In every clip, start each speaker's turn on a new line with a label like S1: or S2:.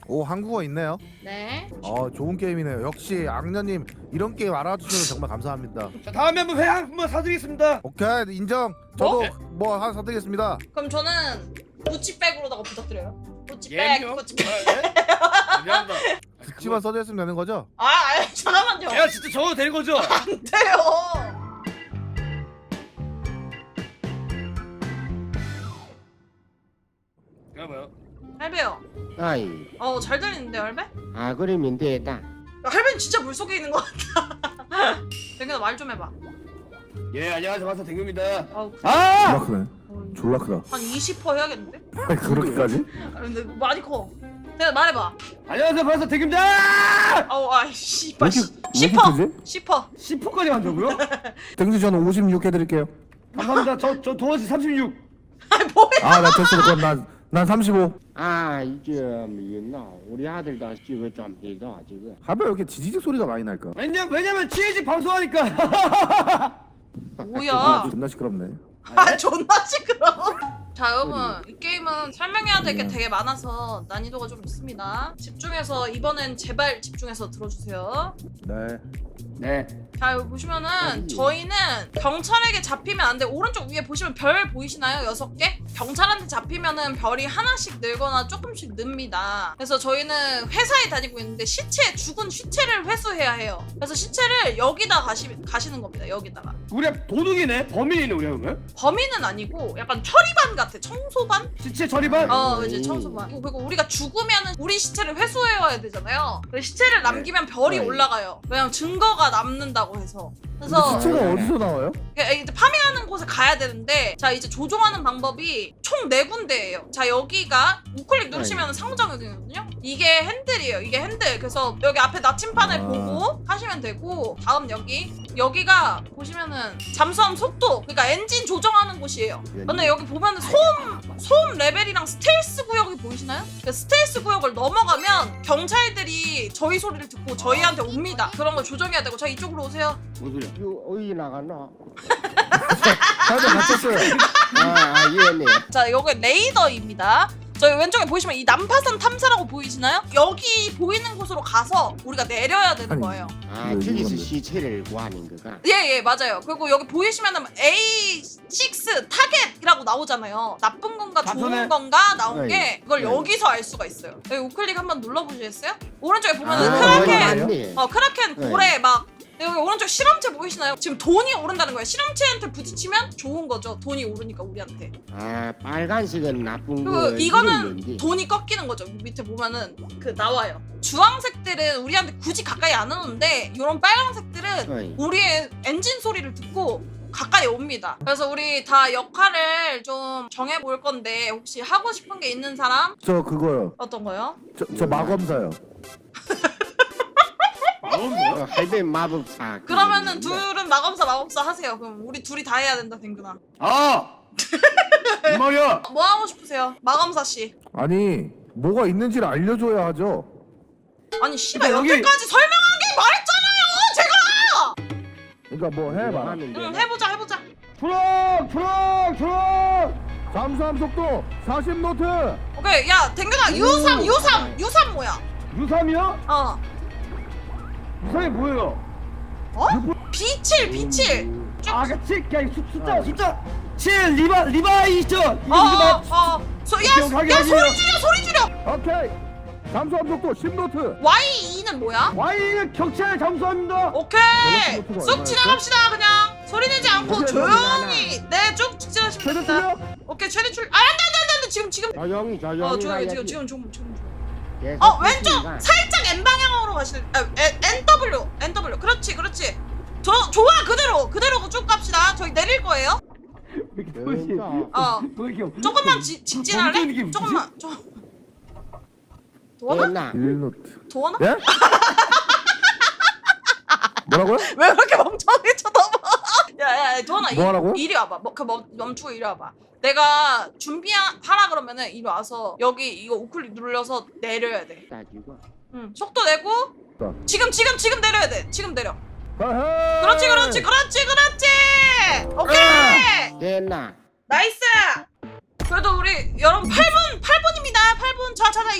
S1: 오, 한국어 있네요.
S2: 네.
S1: 좋은 게임이네요. 역시 악녀님 이런 게임 알아주시면 정말 감사합니다.
S3: 자, 다음에 한번 회 한번 사드리겠습니다.
S1: 오케이, 인정. 저도 뭐 하나 사드리겠습니다.
S2: 그럼 저는 구찌백으로다가 부탁드려요. 구찌백,
S3: 예명?
S2: 구찌백.
S3: 미안합니다.
S1: 듣지만 써줬으면 되는 거죠?
S2: 잠깐만요.
S3: 제가 진짜 적어도 되는 거죠?
S2: 안 돼요.
S3: 잠깐만요.
S2: 할배요.
S4: 아이,
S2: 잘 들리는데 할배?
S4: 아 그러면 됐다.
S2: 야, 할배는 진짜 물속에 있는 것 같다. 댕근아 말 좀 해봐.
S3: 예, 안녕하세요. 마스터 댕규입니다.
S1: 졸라 크네. 졸라 크다.
S2: 한 20% 해야겠는데?
S1: 그렇게까지?
S2: 근데 많이 커. 내가 말해봐.
S3: 안녕하세요. 마스터 댕규입니다.
S2: 씨발.
S1: 왜 이렇게
S2: 10%. 10%.
S3: 10%까지 간다고요?
S1: 땡지 저는 56 해드릴게요.
S3: 감사합니다. 저 도어지 36.
S2: 뭐야?
S1: 나 됐어. 그럼 난 35.
S4: 아 이게 뭐였나? 우리 아들도 지금 좀 해줘 지금.
S1: 하면 왜 이렇게 지지직 소리가 많이 날까?
S3: 왜냐면 치즈 방송하니까.
S2: 뭐야?
S1: 존나 시끄럽네.
S2: 존나 시끄러워. 자 여러분, 이 게임은 설명해야 될 게 되게 많아서 난이도가 좀 있습니다. 집중해서 이번엔 제발 집중해서 들어주세요.
S1: 네.
S3: 네.
S2: 자 여기 보시면은 저희는 경찰에게 잡히면 안 돼. 오른쪽 위에 보시면 별 보이시나요? 6개? 경찰한테 잡히면은 별이 하나씩 늘거나 조금씩 늡니다. 그래서 저희는 회사에 다니고 있는데 죽은 시체를 회수해야 해요. 그래서 시체를 여기다 가시는 겁니다. 여기다가.
S3: 우리가 도둑이네. 범인이네 우리가 그러면.
S2: 범인은 아니고 약간 처리반 같아. 청소반?
S3: 시체 처리반?
S2: 이제 청소반. 그리고 우리가 죽으면은 우리 시체를 회수해와야 되잖아요. 그래서 시체를 남기면 별이 올라가요. 왜냐면 증거가 남는다고 해서. 그래서
S1: 시체가 어디서 나와요?
S2: 이제 파밍하는 곳에 가야 되는데, 자 이제 조종하는 방법이 총 4군데예요. 자 여기가 우클릭 누르시면 상호작용이거든요. 이게 핸들이에요. 이게 핸들. 그래서 여기 앞에 나침판을 보고 하시면 되고, 다음 여기가 보시면은 잠수함 속도, 그러니까 엔진 조정하는 곳이에요. 근데 여기 보면은 소음 레벨이랑 스텔스 구역이 보이시나요? 그 스텔스 구역을 넘어가면 경찰들이 저희 소리를 듣고 저희한테 옵니다. 그런 걸 조정해야 되고. 자 이쪽으로 오세요.
S3: 뭔 소리야?
S4: 이거 어디 나갔나?
S1: 다들 갇혔어요.
S4: 예네.
S2: 자 여기 레이더입니다. 저희 왼쪽에 보시면 이 난파선 탐사라고 보이시나요? 여기 보이는 곳으로 가서 우리가 내려야 되는
S1: 아니.
S2: 거예요.
S4: 아 저기서 시체를 구하는 거가.
S2: 예 맞아요. 그리고 여기 보이시면은 A6 타겟이라고 나오잖아요. 나쁜 건가 좋은
S3: 나쁘네.
S2: 건가 나온 게
S4: 네.
S2: 그걸
S4: 네.
S2: 여기서 알 수가 있어요. 여기 우클릭 한번 눌러보시겠어요? 오른쪽에
S4: 아,
S2: 보면은 크라켄,
S4: 맞네.
S2: 크라켄
S4: 네.
S2: 고래 막. 여기 오른쪽 실험체 보이시나요? 지금 돈이 오른다는 거예요. 실험체한테 부딪히면 좋은 거죠. 돈이 오르니까 우리한테.
S4: 아 빨간색은 나쁜 거.
S2: 그리고 이거는
S4: 이름인데.
S2: 돈이 꺾이는 거죠. 밑에 보면은 나와요. 주황색들은 우리한테 굳이 가까이 안 오는데 이런 빨간색들은
S4: 어이.
S2: 우리의 엔진 소리를 듣고 가까이 옵니다. 그래서 우리 다 역할을 좀 정해볼 건데 혹시 하고 싶은 게 있는 사람?
S1: 저 그거요.
S2: 어떤 거요?
S1: 저 마검사요.
S4: 할배 마법사.
S2: 그러면은 둘은 마검사 하세요. 그럼 우리 둘이 다 해야 된다, 댕근아.
S3: 이 말이야.
S2: 뭐 하고 싶으세요? 마검사 씨.
S1: 아니, 뭐가 있는지를 알려줘야 하죠.
S2: 아니 씨발
S3: 여기-
S2: 여기까지 설명하게 말했잖아요. 제가.
S1: 그러니까 뭐 해봐.
S2: 응 해보자.
S3: 트럭.
S1: 잠수함 속도 40노트.
S2: 오케이 야 댕근아 유삼 뭐야?
S3: 유삼이요? 유삼이 뭐예요?
S2: B7
S3: 아, 그치? 그냥 숫자. 7 리바이죠.
S2: 야 소리 줄여.
S1: 오케이. 잠수함 속도 10노트.
S2: Y2는 뭐야?
S3: Y는 경찰 잠수함입니다.
S2: 오케이
S1: 밸런스
S2: 쑥
S1: 노트가
S2: 지나갑시다. 그냥 소리 내지 않고
S1: 오케이,
S2: 조용히 쭉 지나시면
S1: 최대
S2: 됩니다.
S1: 출력.
S2: 오케이 최대 출. 안돼 지금
S4: 조용히
S2: 조용히
S4: 가야지.
S2: 지금
S4: 계속
S2: 왼쪽
S4: 있으니까.
S2: 살짝 N 방향으로 가시는. NW 그렇지 좋아 그대로 쭉 갑시다. 저희 내릴 거예요. 조금만 진진할래?
S3: 범죄 느낌
S2: 조금만 도원아?
S4: 됐나?
S1: 1노트.
S2: 도원아?
S1: 예? 뭐라고요?
S2: 왜 그렇게 멍청하게 쳐다봐? 야 도원아
S1: 뭐 하라고요?
S2: 이리 와봐. 멈추고 이리 와봐. 내가 준비하라 그러면은 이리 와서 여기 이거 우클릭 눌러서 내려야 돼.
S4: 따지고.
S2: 응 속도 내고 지금 내려야 돼. 지금 내려.
S1: 아하!
S2: 그렇지 오케이
S4: 됐나?
S2: 나이스. 그래도 우리 여러분 8분입니다. 8분. 자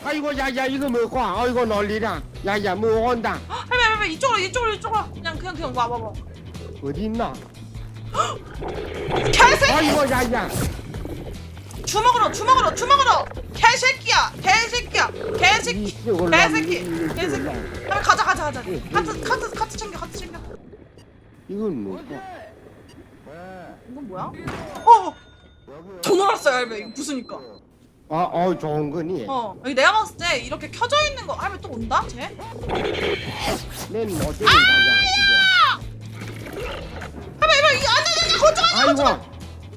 S4: 아이고 야야 이거 뭐고? 아이고 놀리라. 야야 뭐 온다.
S2: 할배 이쪽으로 그냥 와.
S4: 어디 있나?
S2: 개새끼!
S4: 아이고 야야.
S2: 주먹으로 개새끼야. 할배 가자. 카트 챙겨.
S4: 이건 뭐고?
S2: 이건 뭐야? 돈 올랐어요 할배. 이거 부수니까.
S4: 좋은 거니.
S2: 여기 내가 봤을 때 이렇게 켜져 있는 거 할배 또 온다? 쟤?
S4: 내 어디 가자.
S2: 할배 이거 안돼 거쳐.
S4: 아이고.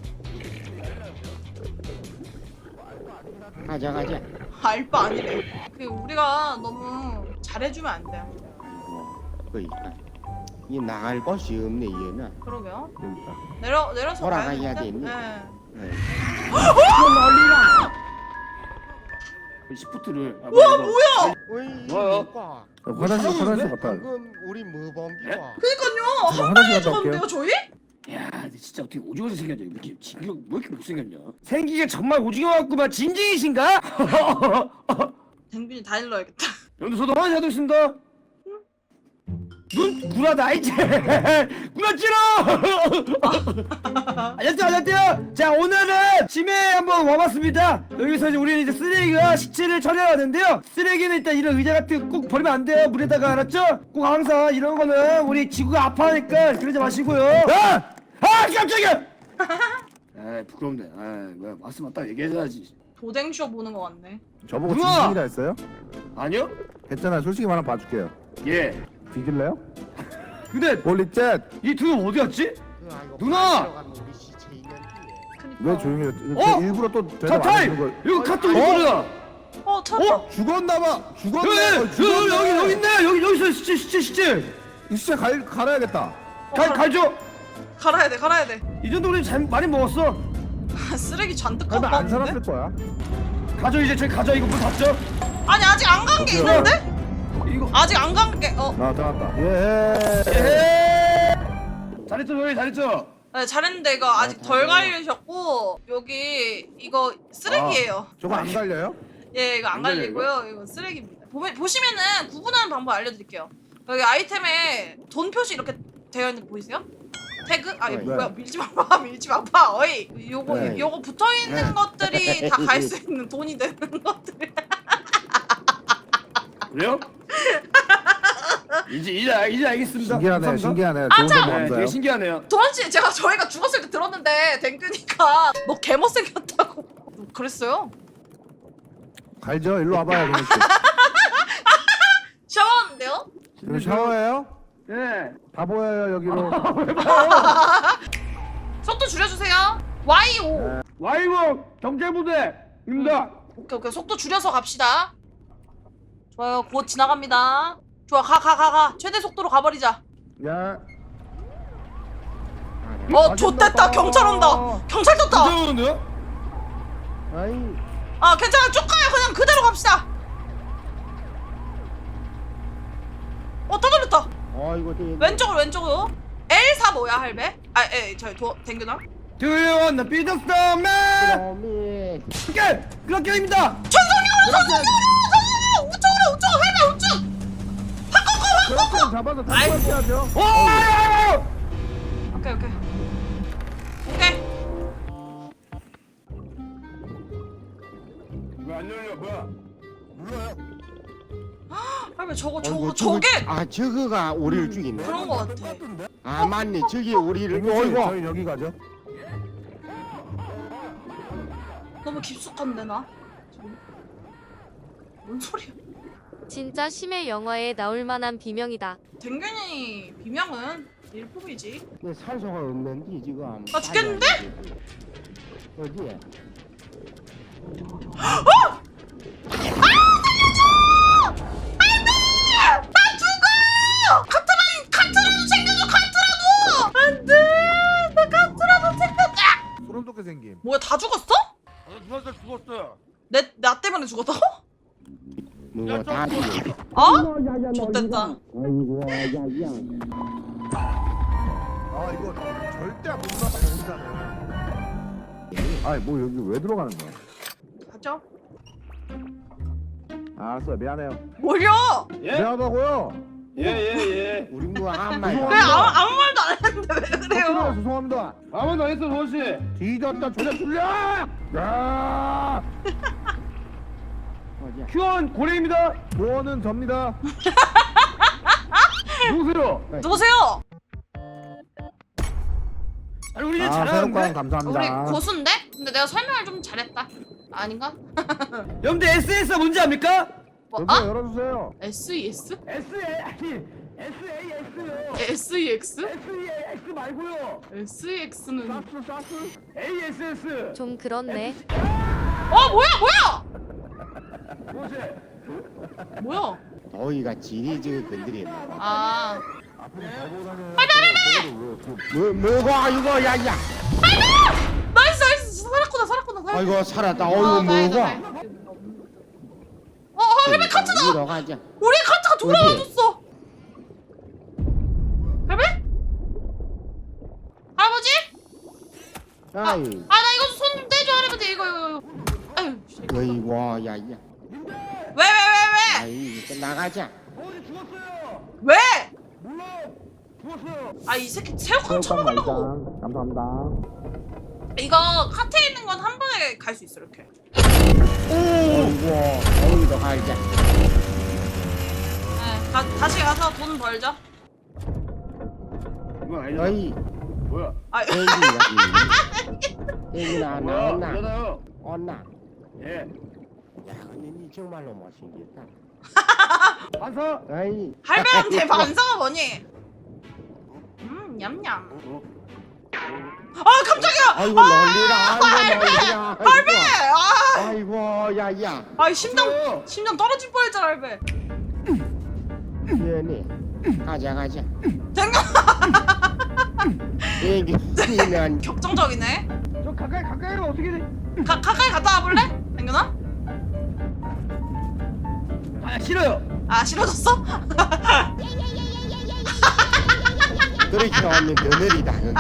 S4: 가자.
S2: 알바 아니래. 우리가 너무 잘해주면 안 돼.
S4: 그러니까 이 나갈 곳이 없네 얘는.
S2: 그러게요.
S1: 그러니까.
S2: 내려서
S4: 돌아가야
S2: 가야겠는데?
S4: 되니?
S2: 네.
S4: 이거 놀리라.
S3: 시프트를.
S2: 우와 뭐야?
S3: 뭐야?
S1: 화장실 갔다.
S4: 방금 우리 뭐 본기고?
S2: 그니까요.
S1: 저
S2: 한 방에
S1: 화장실 갔다
S2: 죽었는데요 저희?
S3: 야, 근데 진짜 어떻게 오징어같이 생겼냐? 이렇게 진경 뭐 이렇게 못생겼냐? 생기가 정말 오징어 같구만. 진징이신가?
S2: 댕균이 다 일러야겠다.
S3: 여러분들 저도 화장실 하고 있습니다. 눈 구라다 이제 구라 찌러. 안녕하세요. 자 오늘은 심해 한번 와봤습니다. 여기서 이제 우리는 이제 쓰레기가 시체를 처리하는데요. 쓰레기는 일단 이런 의자 같은 거 꼭 버리면 안 돼요. 물에다가 알았죠? 꼭 항상 이런 거는 우리 지구가 아파하니까 그러지 마시고요. 깜짝이야. 아 부끄럽네. 아 뭐야 말씀 맞다 얘기해야지.
S2: 도댕쇼 보는 거 같네.
S1: 저보고
S3: 누나!
S1: 진심이라 했어요?
S3: 아니요?
S1: 했잖아. 솔직히 말하면 봐줄게요.
S3: 예.
S1: 뒤질래요?
S3: 근데
S1: 홀리셋!
S3: 이 두 명 어디 갔지? 누나!
S1: 왜 조용히 해?
S3: 어?
S1: 일부러 또
S3: 자
S1: 대답 안
S3: 타임!
S1: 해주는 걸.
S3: 이거 카톡 우리 거야.
S2: 찾았다.
S1: 죽었나봐!
S3: 여기
S1: 죽었네!
S3: 여기 있네. 여기 있어 시체.
S1: 이 진짜 갈아야겠다.
S3: 갈죠.
S2: 갈아야 돼.
S3: 이 정도 우리 잘 많이 먹었어.
S2: 쓰레기 잔뜩
S1: 그러면
S2: 갖고
S1: 안 살았을
S2: 왔는데?
S3: 어,
S1: 거야.
S3: 가져 이제 저기 가져. 이거 물 닫죠.
S2: 아니 아직 안 간 게 있는데?
S3: 이거
S2: 아직 안 간 게.
S1: 들어갔다. 예.
S3: 잘했죠 저희 잘했죠.
S2: 네, 잘했는데 이거 아직 덜 갈리셨고 여기 이거 쓰레기예요.
S1: 저거 안 갈려요?
S2: 예, 이거 안
S3: 안 갈려요,
S2: 갈리고요. 이거 쓰레기입니다. 보시면은 구분하는 방법 알려드릴게요. 여기 아이템에 돈 표시 이렇게 되어 있는 거 보이세요? 태그? 아, 이거
S1: 네.
S2: 뭐야? 밀지 마봐. 어이.
S1: 네.
S2: 요거 붙어 있는
S3: 네.
S2: 것들이 다 갈 수 있는 돈이 되는 것들.
S3: 그래요? 이제 알겠습니다.
S1: 신기하네.
S3: 감사합니다.
S1: 신기하네.
S2: 아,
S1: 좋은
S2: 참!
S1: 거
S3: 네,
S1: 감사요.
S3: 되게 신기하네요.
S2: 도원씨 저희가 죽었을 때 들었는데 댕규니까 너 개못생겼다고 그랬어요.
S1: 갈죠? 일로 와봐요. 그냥.
S2: 샤워하는데요?
S1: 이거 샤워해요?
S3: 예.
S1: 다 보여요 여기로.
S2: 속도 줄여주세요. Y5.
S3: 와이버 경제부대입니다.
S2: 오케이. 속도 줄여서 갑시다. 좋아요. 곧 지나갑니다. 좋아. 가. 최대 속도로 가버리자.
S1: 야.
S2: 좆됐다. 경찰 온다. 경찰 떴다.
S3: 무서운데요?
S1: 아이.
S2: 아, 괜찮아. 쭉 가요. 그냥 그대로 갑시다. 다 돌렸다.
S4: 이거
S2: 왼쪽으로. L4 뭐야, 할배? 댕규나?
S3: Do you wanna be the snowman?
S4: 그놈이.
S3: 그렇게입니다.
S2: 우측! 할배 우측!
S1: 그렇게 잡아서 다시
S2: 아이고.
S1: 하죠.
S2: 오케이.
S3: 왜 안 열려? 뭐야?
S1: 눌러요.
S2: 할배 저게
S4: 저거가 우리를 죽이네.
S2: 그런 거 같아.
S4: 아 맞네. 저기 우리를.
S1: 저희 여기 가죠.
S2: 너무 깊숙한데 나? 뭔 소리야?
S5: 진짜 심해 영화에 나올 만한 비명이다.
S2: 댕균이 비명은 일품이지.
S4: 산소가 없는데 지금.
S2: 나 죽겠는데?
S4: 어디에?
S2: 나 죽어! 카트라도 챙겨줘. 카트라도! 안 돼! 나 카트라도 챙겨줘!
S1: 소름 돋게 생김.
S2: 뭐야, 다 죽었어?
S3: 죽었어요.
S2: 나 때문에 죽었다고?
S4: 누가 다 죽여.
S2: 좆됐다.
S4: 아이고 야야.
S1: 아 이거 절대 못 나가 혼자는. 아이 뭐 여기 왜 들어가는 거야?
S2: 가죠.
S1: 알았어요. 미안해요.
S2: 뭘요?
S3: 예?
S1: 미안하다고요.
S3: 예.
S4: 우리 뭐 아무 말
S2: 왜 아무 말도 안 했는데 왜 그래요?
S1: 죄송합니다.
S3: 아무도 안 했어 도원씨.
S1: 뒤졌다. 조져 줄려. 야!
S4: 어디야?
S3: 큐원 고래입니다.
S1: 조언은 접니다.
S3: 누구세요?
S2: 누구세요?
S3: 아니 우리 이제
S1: 새우깡
S3: 잘하는데?
S1: 감사합니다.
S2: 우리 고수인데? 근데 내가 설명을 좀 잘했다. 아닌가?
S3: 여러분들 SS가 뭔지 압니까?
S2: 뭐?
S1: 여기요,
S2: 아?
S1: 열어주세요.
S2: SES?
S3: SAS요.
S2: SEX?
S3: SEX 말고요.
S2: SEX는
S1: 사스.
S3: ASS.
S5: 좀 그렇네.
S2: 뭐야?
S3: 도원씨.
S2: 뭐야?
S4: 더위가 지리지리 건드렸나 봐.
S2: 아
S4: 뭐가 이거 야야.
S2: 나이스 살았구나.
S4: 아이고 살았다. 어이구
S2: 다행이다,
S4: 뭐가?
S2: 다행이다. 할배 카트다!
S4: 이러 가자.
S2: 우리 카트가 돌아와줬어! 할배? 할아버지?
S4: 아이.
S2: 나 이거 손 좀 떼줘 할아버지 이거 아유 씨.
S4: 어이구 야야.
S2: 왜?
S4: 아이 나가자.
S3: 도원씨 죽었어요.
S2: 왜?
S3: 몰라. 죽었어요.
S2: 아 이 새끼 새우깡 쳐먹으려고
S1: 감사합니다.
S2: 이거 카트에 있는 건 한 번에 갈 수 있어 이렇게
S4: 어이구 어이구 가자.
S2: 네, 다시 가서 돈 벌자
S3: 이건 아니잖아.
S4: 어이.
S3: 뭐야?
S2: 아
S4: 애기야. 애기 나
S3: 뭐야?
S4: 온나.
S3: 일어나요.
S4: 온나.
S3: 예.
S4: 야 근데 니 정말로 못생겼다.
S3: 반사.
S4: 아이.
S2: 할배한테 반사가 뭐니? 냠냠 아 깜짝이야
S4: 아이고 놀리라. 아이고 놀리라.
S2: 할배
S4: 아이고 야야.
S2: 심장 떨어질 뻔했잖아 할배
S4: 미안해. 가자.
S2: 댕겨
S4: 애기는
S2: 격정적이네
S3: 저 가까이 가면 어떻게 돼?
S2: 가까이 갔다 와볼래? 댕겨나?
S3: 아 싫어요.
S2: 아 싫어졌어?
S4: 그렇게 하면 더 느리다 여기.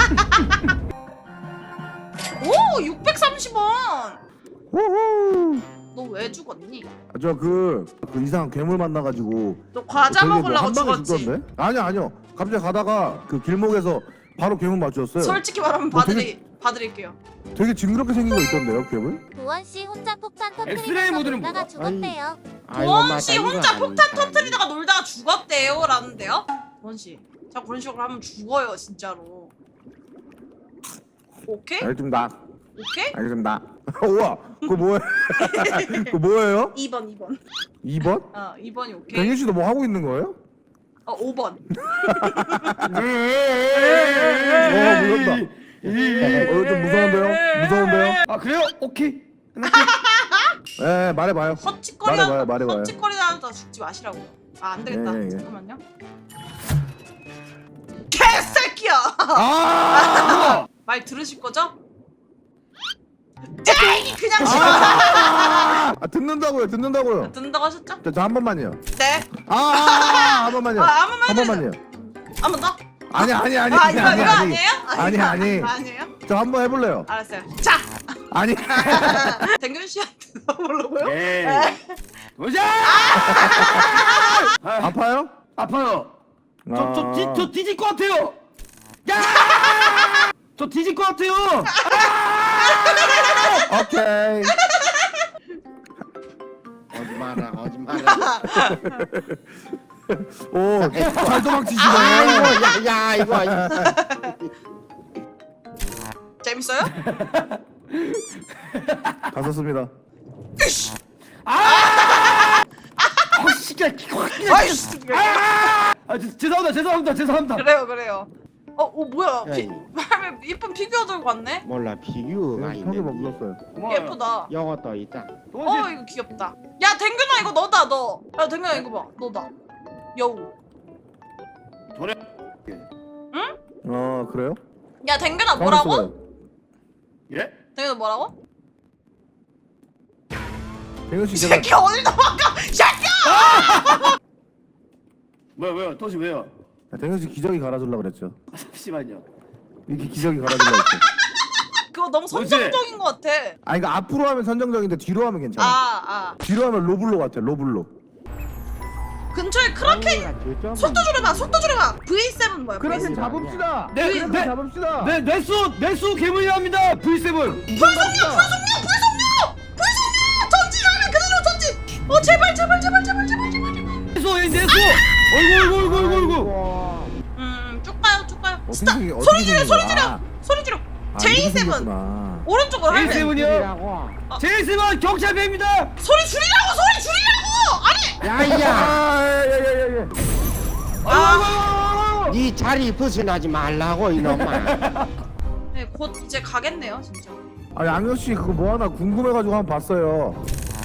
S2: 오 630원
S1: 우후.
S2: 너 왜 죽었니?
S1: 그 이상한 괴물 만나가지고.
S2: 너 과자
S1: 저기 뭐
S2: 먹으려고
S1: 한 방에
S2: 죽었지?
S1: 죽던데? 아니요. 갑자기 가다가 그 길목에서 바로 괴물 맞췄어요.
S2: 솔직히 말하면
S1: 뭐 되게-
S2: 봐드릴게요
S1: 되게 징그럽게 생긴 거 있던데요, 괴물?
S5: 도원 씨 혼자 폭탄
S3: 엑스레이
S5: 터뜨리면서
S3: 모드는
S5: 놀다가
S3: 뭐야?
S5: 죽었대요.
S2: 도원씨 혼자 폭탄 터뜨리다가 놀다가 죽었대요 라는데요? 도원씨 자꾸 그런 식으로 하면 죽어요 진짜로 오케이?
S1: 알겠습니다.
S2: 오케이?
S1: 알겠습니다. 우와, 그거 뭐예요? 그거 뭐예요?
S2: 2번
S1: 2번?
S2: 2번이 오케이?
S1: 댕희 씨도 뭐 하고 있는 거예요?
S2: 5번
S1: 무섭다. 좀 무서운데요?
S3: 아 그래요? 오케이.
S1: 네, 말해봐요. 말해봐요.
S2: 헛짓거리하다 죽지 마시라고요 아 안되겠다
S1: 예.
S2: 잠깐만요 개새끼야
S1: 아!
S2: 말 들으실 거죠? 에이 그냥 싫어
S1: 듣는다고요.
S2: 듣는다고 하셨죠?
S1: 저 한 번만요.
S2: 네
S1: 한 번만요.
S2: 한 번만요
S1: 한 번만요.
S2: 한 번 더?
S1: 아니.
S2: 이거 아니에요?
S1: 아니.
S2: 아니에요?
S1: 저 한 번 해볼래요.
S2: 알았어요 자!
S1: 아니.
S2: 댕균 씨한테 넣어보려고요?
S3: 에이. 도자.
S1: 아파요?
S3: 아파요. 저 뒤질 것 같아요. 야! 저 뒤질 것 같아요.
S1: 오케이.
S4: 오지 마라.
S1: 오, 잘 도망치시네.
S4: 아이고 야 이거.
S2: 재밌어요?
S1: 다 썼습니다.
S3: 시끼야.
S2: 아이씨
S3: 죄송합니다.
S2: 그래요 뭐야
S4: 에이.
S2: 예쁜 피규어 들고 왔네?
S4: 몰라 피규어가
S1: 형이 뭐
S4: 있는데.
S1: 묻었어요.
S2: 예쁘다
S4: 요것도 있다.
S2: 이거 귀엽다 야 댕균아 이거 너다 너야 댕균아 이거 봐 너다 여우
S1: 그래요?
S2: 야 댕균아 뭐라고?
S1: 가만있어 봐요.
S3: 예?
S2: 댕균아 뭐라고?
S1: 댕현 씨
S2: 이
S1: 제가
S2: 새끼 어딜 도망가 새끼야!
S3: 왜요? 도시 왜요?
S1: 댕현 씨 기저귀 갈아주려고 그랬죠.
S3: 잠시만요.
S1: 이렇게 기저귀 갈아주려고 했죠.
S2: 그거 이거 너무 선정적인 것 같아.
S1: 아니 그러니까 앞으로 하면 선정적인데 뒤로 하면 괜찮아. 뒤로 하면 로블로 같아. 로블로.
S2: 근처에 크라켄 속도 줄여봐. 속도 줄여봐. V7 뭐야?
S1: 그렇게
S2: V7.
S1: 잡읍시다.
S3: 네,
S1: 그렇게
S3: 네.
S1: 잡읍시다.
S3: 네, 뇌수 괴물이랍니다. V7.
S2: 불속력. 전진하면 그대로 전진. 제발.
S3: 뇌수. 어이구.
S2: 쭉 가요.
S1: 어떻게 생긴- 어떻게
S2: 소리 지르.
S1: 생긴 거야?
S2: 소리 지르.
S1: 아,
S2: J7
S1: 이렇게 생겼구나.
S2: 오른쪽으로 할래.
S3: J7이요. J7 경찰배입니다.
S2: 소리 줄이라고. 아니.
S4: 야야
S2: 아,
S4: 네 자리 벗어나지 말라고 이놈아.
S2: 네, 곧 이제 가겠네요, 진짜.
S1: 아 양현 씨 그거 뭐 하나 궁금해가지고 한번 봤어요.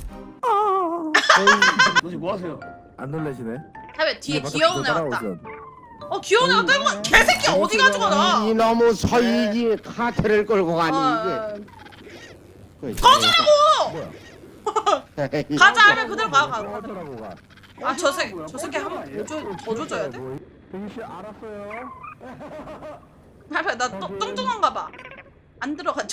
S3: 너 지금 뭐 하세요?
S1: 안 놀라시네.
S2: 하면 뒤에
S1: 이게
S2: 귀여운 애
S1: 따라오고
S2: 왔다.
S1: 있어.
S2: 귀여운 애가 끌고 가. 개새끼 어디 가져가나?
S4: 이놈의 서이지 카트를 끌고 가니 이게.
S2: 꺼지라고!
S4: 이게.
S2: 가자 하면 그대로 가.
S1: 어쩌라고 가.
S2: 저 새끼 한번 더 줘줘야 돼?
S1: 대기 씨 알았어요.
S2: 할배 나 뚱뚱한가 봐. 안 들어가죠.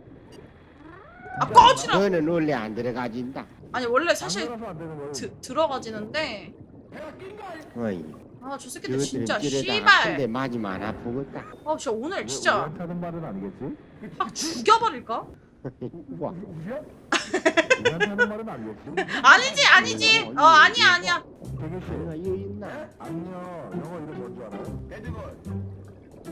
S2: 꺼지라.
S4: 너는 원래 안 들어가진다.
S2: 아니 원래 사실
S1: 안 들어가서 안 되는 거예요.
S2: 들어가지는데
S4: 어이.
S2: 저 새끼들
S4: 저들은
S2: 진짜
S4: 길에다가 한 대
S2: 씨발.
S4: 맞으면 아프겠다.
S2: 진짜 오늘 진짜
S1: 우연타는 말은 아니겠지?
S2: 확 죽여버릴까?
S4: 우와.
S1: 우연타는 말은 아니겠지?
S2: 아니지. 아니야.
S1: 대기 씨
S4: 내가 이거 있나?
S1: 안녕. 영어 이름 뭔지 알아요?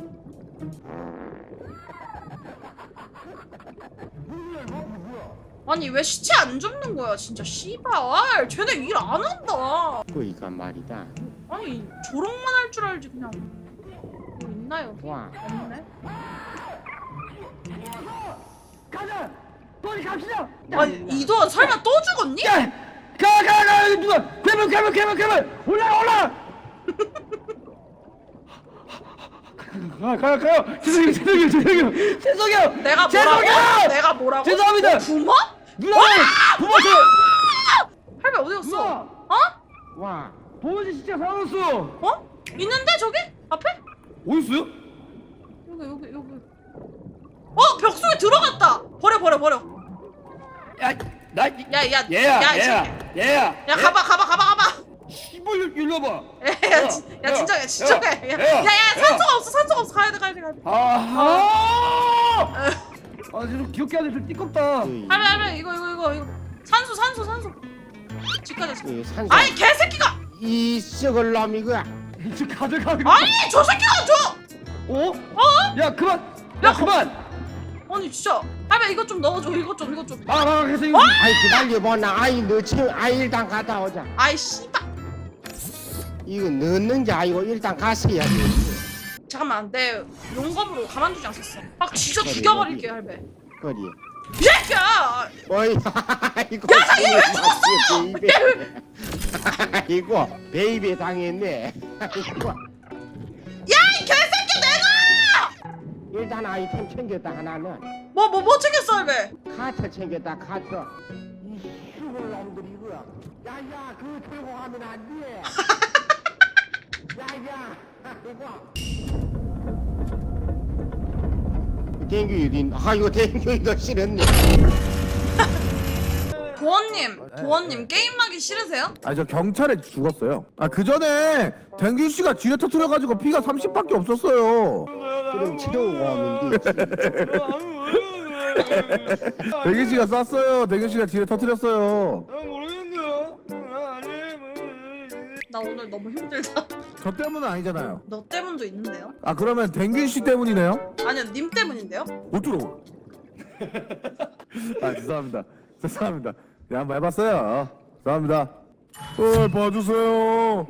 S2: 아니 왜 시체 안 줍는 거야 진짜 씨발. 쟤네 일 안 한다.
S4: 그러니까 말이다.
S2: 아니 조롱만 할 줄 알지 그냥. 뭐 있나 여기?
S4: 와.
S2: 없네.
S3: 가자. 빨리 갑시다.
S2: 아니 이도환 설마 또 죽었니?
S3: 야, 가 누가 괴물 올라. 가요. 죄송해요.
S2: 내가 뭐라고?
S3: 죄송합니다.
S2: 부모?
S3: 누나 부모님.
S2: 할배 어디 갔어?
S4: 와.
S3: 부모님 진짜 살았어.
S2: 있는데 저기? 앞에?
S3: 어디 있어요?
S2: 여기. 벽 속에 들어갔다. 버려.
S3: 나
S2: 야,
S3: 얘야.
S2: 야, 가봐.
S3: 씨발 일로 와봐.
S2: 야, 진정해. 야, 산소가 없어. 가야 돼.
S3: 아하. 좀 귀엽게 하네. 좀 띠껍다.
S2: 할배, 이거. 산소. 집까지.
S4: 이 산소.
S2: 아니, 개새끼가!
S4: 이 썩을 놈 이거야.
S3: 이제 가져가.
S2: 아니, 저 새끼가 줘!
S3: 어? 야 그만.
S2: 아니, 진짜. 할배, 이것 좀 넣어줘. 이것 좀.
S3: 그래서 이거.
S4: 아이 기다려보나. 아이 너 지금 일단 갔다 오자.
S2: 아이, 씨발.
S4: 이거 넣는지 아이고 일단 갔어야 돼.
S2: 잠깐만, 내 용검으로 가만두지 않겠어. 막 진짜 죽여버릴게, 할배.
S4: 거리.
S2: 이 새끼야!
S4: 어이 아이고.
S2: 야, 얘 왜 죽었어?
S4: 베이베. 아이고 베이베 당했네. 아이고.
S2: 야, 이 개새끼 내가!
S4: 일단 아이템 챙겼다 하나는.
S2: 뭐 챙겼어, 할배?
S4: 카트 챙겼다 카트. 이 슈글 놈들 이거야. 야야 그거 들고 가면 안 돼. 야야 이거. 댕규이 아이고 댕규이도 싫었네.
S2: 도원님 게임하기 싫으세요?
S1: 아니 저 경찰에 죽었어요. 그 전에 댕규 씨가 지뢰 터트려가지고 피가 30밖에 없었어요.
S4: 그럼 치료가 오면 되지.
S1: 댕규 씨가 쐈어요. 댕규 씨가 지뢰 터트렸어요.
S2: 나 오늘 너무 힘들다.
S1: 저 때문은 아니잖아요.
S2: 너 때문도 있는데요?
S1: 그러면 댕규 씨 때문이네요?
S2: 아니요, 님 때문인데요?
S1: 어쩌라고? 죄송합니다. 네, 한번 해봤어요. 죄송합니다. 봐주세요.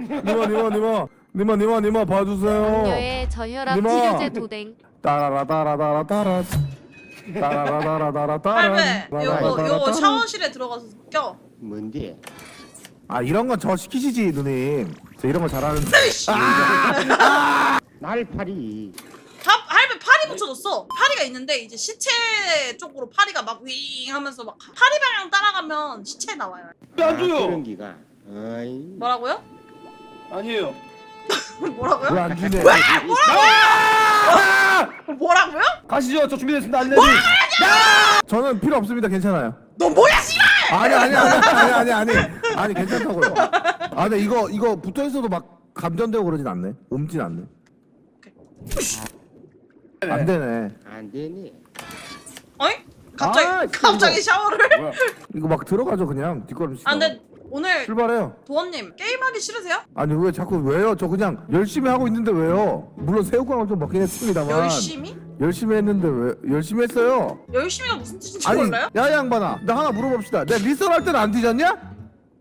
S1: 니마 봐주세요.
S5: 남녀의 저혈압
S1: 니마.
S5: 치료제 도댕.
S1: 따라라따라따라따라. 따라라라라라따라.
S2: 할배, 요거 샤워실에 들어가서 껴.
S4: 뭔데?
S1: 이런 건 저 시키시지 누님. 저 이런 거 잘하는데.
S4: 날파리.
S2: 할배 파리 붙여줬어. 파리가 있는데 이제 시체 쪽으로 파리가 막 윙 하면서 막 파리 방향 따라가면 시체 나와요.
S3: 안 줘요.
S4: 그런 기가. 어이.
S2: 뭐라고요?
S3: 아니에요.
S2: 뭐라고요?
S1: 왜 안 주네?
S2: 뭐라고요?
S3: 가시죠. 저 준비됐습니다. 알려드리.
S1: 저는 필요 없습니다. 괜찮아요.
S2: 너 뭐야 씨발!
S1: 아니 괜찮다고요. 아 근데 이거 붙어 있어도 막 감전되고 그러진 않네. 옮진 않네. 안 되네.
S4: 안 되니.
S2: 어이? 갑자기
S1: 아,
S2: 갑자기 샤워를?
S1: 이거 막 들어가죠 그냥 뒷걸음씩.
S2: 아 근데 오늘
S1: 출발해요.
S2: 도원님 게임하기 싫으세요?
S1: 아니 왜 자꾸 왜요? 저 그냥 열심히 하고 있는데 왜요? 물론 새우깡을 좀 먹긴 했습니다만.
S2: 열심히?
S1: 열심히 했는데 왜? 열심히 했어요.
S2: 열심히가 무슨 뜻인지
S1: 아니
S2: 몰라요?
S1: 야 양반아, 나 하나 물어봅시다. 내가 리썰 할 때는 안 뒤졌냐?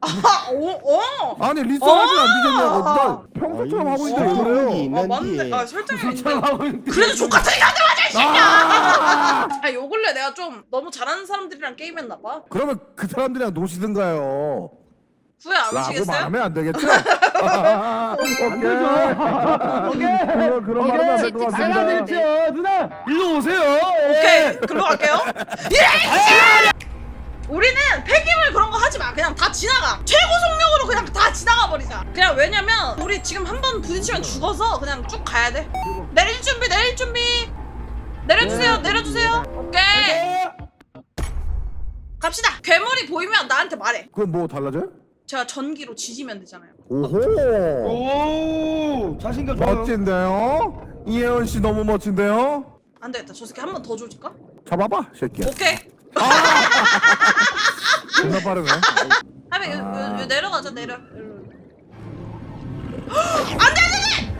S1: 아니 리썰 할 때는 안 뒤졌냐고. 나 평소처럼 하고 있는데 왜 그래요?
S2: 아 맞네. 아 설정이 있는데.
S3: 하고 있는데.
S2: 그래도 족같은 얘기 하지 마자 이 새끼야! 아 요 근래 내가 좀 너무 잘하는 사람들이랑 게임했나 봐.
S1: 그러면 그 사람들이랑 노시든가요.
S2: 후회 안
S1: 라고
S2: 하시겠어요?
S1: 말하면 안 되겠죠?
S3: 안 되죠. 오케이.
S1: 그런 말은 안 될 것
S3: 안
S1: 같습니다.
S3: 되죠. 누나 일로 오세요.
S2: 오케이 글로 갈게요. 예! 우리는 폐기물 그런 거 하지 마. 그냥 다 지나가. 최고 속력으로 그냥 다 지나가 버리자. 그냥 왜냐면 우리 지금 한 번 부딪히면 죽어서 그냥 쭉 가야 돼. 내릴 준비, 내릴 준비. 내려주세요, 내려주세요. 오케이. 갑시다. 괴물이 보이면 나한테 말해.
S1: 그건 뭐 달라져요?
S2: 제가 전기로 지지면 되잖아요.
S1: 오호.
S3: 오 자신감 좋아요.
S1: 멋진데요? 이혜원 씨 너무 멋진데요?
S2: 안 되겠다. 저 새끼 한 번 더 조질까?
S1: 잡아봐, 새끼야.
S2: 오케이.
S1: 존나 빠르네.
S2: 하면 요 내려가자 내려. 안돼 안돼.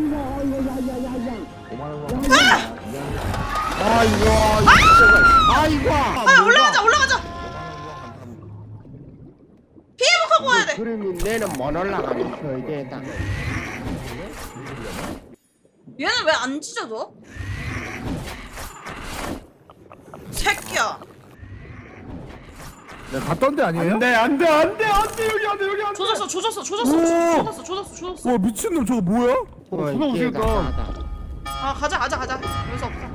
S1: 아이고.
S2: 아 올라가자 올라가자. 피해복하고 와야 돼.
S4: 그러면 내는 못 올라가면 서 되다.
S2: 얘는 왜 안 찢어져? 새끼야.
S1: 내가 갔던 데 아니에요?
S3: 안돼 안돼 안돼 안돼 여기 안돼 여기 안돼.
S2: 조졌어.
S1: 와 미친놈 저거 뭐야?
S3: 누나 오시니까.
S2: 아 가자. 여기서 없다.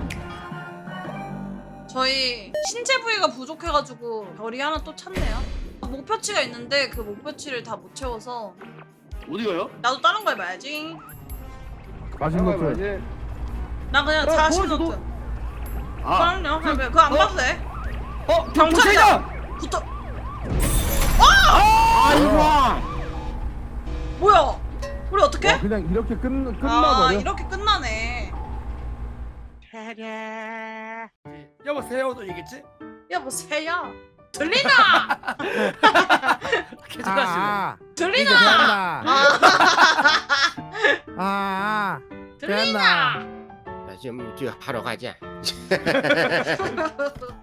S2: 저희 신체 부위가 부족해가지고 별이 하나 또 찾네요. 목표치가 있는데 그 목표치를 다 못 채워서
S3: 어디 가요?
S2: 나도 다른 거 해봐야지.
S1: 맛있는 거 줘.
S2: 나 그냥 40노트.
S3: 아.
S2: 그럼요. 그거 안 봐도 돼.
S3: 경찰이다.
S2: 붙어.
S4: 아이고.
S2: 뭐야? 우리 어떻게?
S1: 와, 그냥 이렇게
S2: 아
S1: 끝나버려.
S2: 이렇게 끝나네.
S3: 여보세요 이겠지?
S2: 여보세요. 들리나?
S3: 괜찮으시네.
S2: 들리나? 들리나?
S4: 좀 하러 가자.